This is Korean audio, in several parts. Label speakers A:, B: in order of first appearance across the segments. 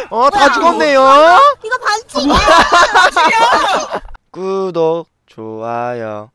A: 다 죽었네요.
B: 이거 반칙이야.
A: 구독, 좋아요.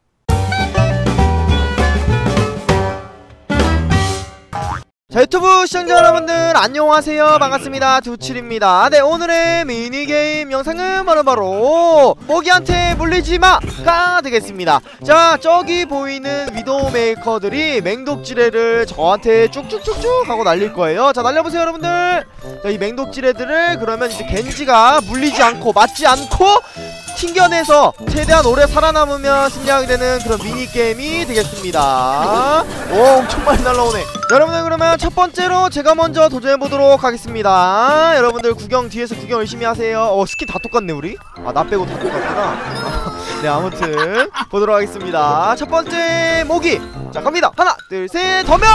A: 자, 유튜브 시청자 여러분들 안녕하세요. 반갑습니다. 두칠입니다. 네, 오늘의 미니게임 영상은 바로 모기한테 물리지마가 되겠습니다. 자, 저기 보이는 위도우메이커들이 맹독지레를 저한테 쭉쭉쭉쭉 하고 날릴 거예요. 자, 날려보세요 여러분들. 자, 이 맹독지레들을 그러면 이제 겐지가 물리지 않고 맞지 않고 튕겨내서 최대한 오래 살아남으면 승리하게 되는 그런 미니게임이 되겠습니다. 오, 엄청 많이 날라오네. 자, 여러분들 그러면 첫 번째로 제가 먼저 도전해보도록 하겠습니다. 여러분들 뒤에서 구경 열심히 하세요. 스킨 다 똑같네 우리? 나 빼고 다 똑같구나. 네, 아무튼 보도록 하겠습니다. 첫 번째 모기. 자, 갑니다. 하나 둘셋 덤벼.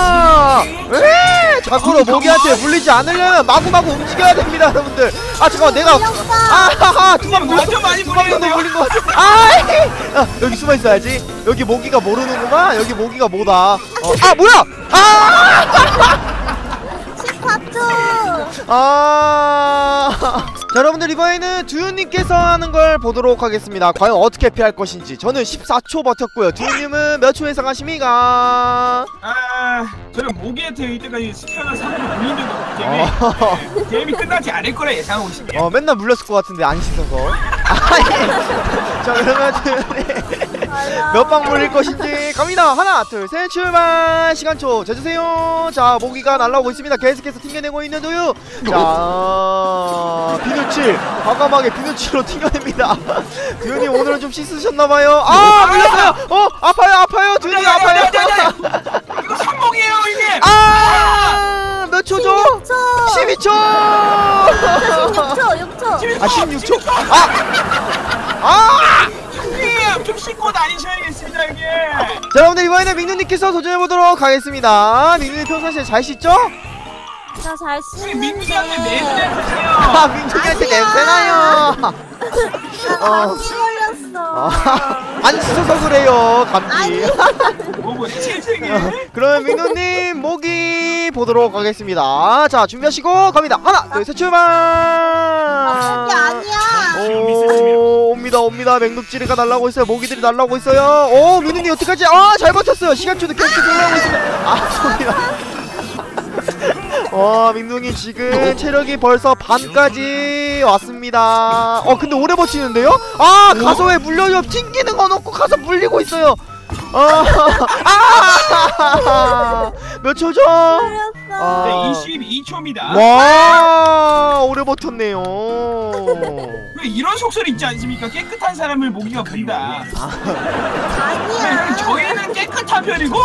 A: 자꾸로 모기한테 물리지 않으려면 마구마구 움직여야 됩니다 여러분들. 잠깐만, 내가 두방 물린 것 같아. 여기 숨어 있어야지. 여기 모기가 모르는구나. 여기 모기가 뭐다. 뭐야?
B: 14초.
A: 자, 여러분들 이번에는 두유님께서 하는 걸 보도록 하겠습니다. 과연 어떻게 피할 것인지. 저는 14초 버텼고요. 두유님은 몇 초 예상하십니까?
C: 저는 모기한테 이때까지 스피어나 상으로 물린 적이 없기 때문에 게임이 끝나지 않을 거라 예상하고 있습니다.
A: 맨날 물렸을 것 같은데 안 씻어서. 자, 그러면 몇 방 물릴 것인지 갑니다. 하나 둘셋 출발. 시간초 재주세요. 자, 모기가 날라오고 있습니다. 계속해서 튕겨내고 있는 두유. 자, 비누칠 과감하게 비누칠로 튕겨냅니다. 두유님 오늘은 좀 씻으셨나봐요. 물렸어요. 아파요 두유님 아파요.
C: 이거 성공이에요 이게.
A: 몇 초죠? 12초.
B: 16초.
A: 16초?
C: 좀 씻고 다니셔야겠습니다 이게.
A: 자, 여러분들 이번에는 민누님께서 도전해보도록 하겠습니다. 민누님 평상시에 잘 씻죠?
B: 나 잘 씻는데.
C: 민준이한테 냄새나요.
A: 민누님한테 냄새나요.
B: 감기 걸렸어.
A: 안 씻어서 그래요, 감기. 그러면 민누님 모기 보도록 하겠습니다. 자, 준비하시고 갑니다. 하나 둘셋 출발.
B: 그게 아니야.
A: 옵니다. 맹독지레가 날라오고 있어요. 모기들이 날라오고 있어요. 민누님 어떡하지? 잘 버텼어요. 시간초도 계속 올라오고 있습니다. 소리나. 민누님 지금 체력이 벌써 반까지 왔습니다. 근데 오래 버티는데요? 가서 왜 물려요? 튕기는 거 놓고 가서 물리고 있어요. 몇 초죠?
C: 22초입니다.
A: 와, 오래 버텼네요.
C: 왜 이런 속설이 있지 않습니까? 깨끗한 사람을 모기가 본다.
B: 아니야.
C: 저희는 깨끗한 편이고.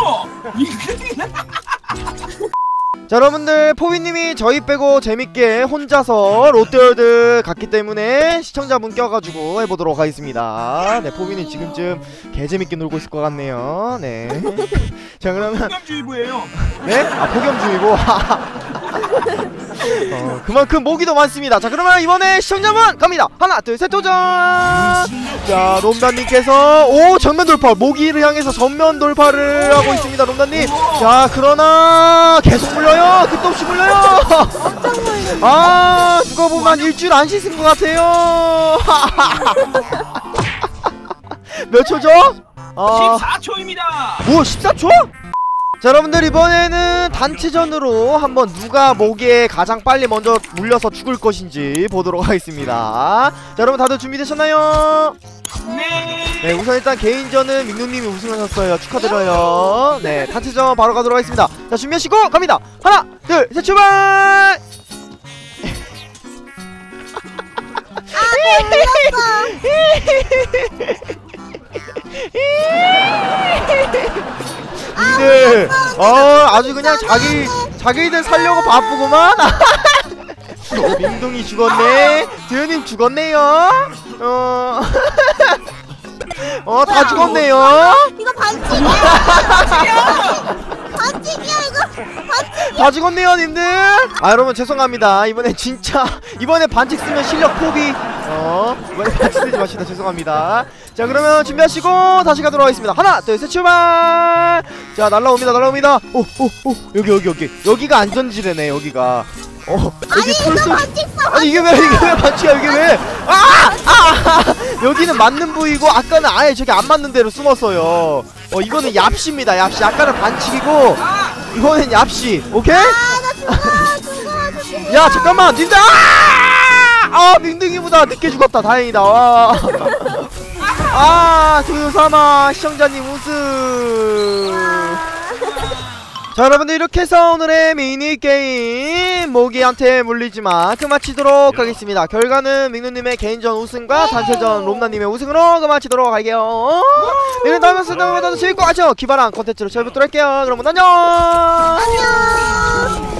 A: 자, 여러분들 포비님이 저희 빼고 재밌게 혼자서 롯데월드 갔기 때문에 시청자분 껴가지고 해보도록 하겠습니다. 네, 포비님 지금쯤 개재밌게 놀고 있을 것 같네요. 네. 자, 그러면
C: 폭염주의보예요.
A: 네? 폭염주의보. 그만큼 모기도 많습니다. 자, 그러면 이번에 시청자분 갑니다. 하나 둘셋 도전. 자, 롬다님께서 정면 돌파. 모기를 향해서 전면 돌파를 하고 있습니다 롬다님. 자, 그러나 계속 물려요. 끝도 없이 물려요. 누가 보면 일주일 안 씻은 것 같아요. 몇 초죠?
C: 14초입니다.
A: 뭐 14초? 자, 여러분들 이번에는 단체전으로 한번 누가 모기에 가장 빨리 먼저 물려서 죽을 것인지 보도록 하겠습니다. 자, 여러분 다들 준비되셨나요? 네, 우선 일단 개인전은 민누님이 우승하셨어요. 축하드려요. 네, 단체전 바로 가도록 하겠습니다. 자, 준비하시고 갑니다. 하나 둘셋 출발. 근데 아주 그냥 자기들 살려고 바쁘구만. 민둥이 죽었네. 두유님 죽었네요. 다 죽었네요.
B: 이거 반칙이야. 반칙이야 이거. 반칙이야.
A: 다 죽었네요 님들. 여러분 죄송합니다. 이번에 반칙 쓰면 실력 포기. 이번에 반칙 쓰지 마시다. 죄송합니다. 자, 그러면 준비하시고 다시 가도록 하겠습니다. 하나 둘 셋 출발. 자, 날라옵니다. 여기가 안전지대네. 여기가 이게 풀스
B: 반칙 써.
A: 아니 이게 왜 반칙이야 이게 왜 여기는 맞는 부위고 아까는 아예 저기 안 맞는 데로 숨었어요. 이거는 얍시입니다. 얍시. 아까는 반칙이고 이거는 얍시. 오케이? 야 잠깐만 님들 민둥이보다 늦게 죽었다. 다행이다. 와. 두유사마 시청자님 우승. 자 여러분들 이렇게 해서 오늘의 미니게임 모기한테 물리지마 그마치도록 하겠습니다. 결과는 민누님의 개인전 우승과 단체전 롬나님의 우승으로 그마치도록 할게요. 이런 다음에 쓰다보다도 재밌고 아주 기발한 컨텐츠로 찾아뵙도록 할게요. 그럼 안녕.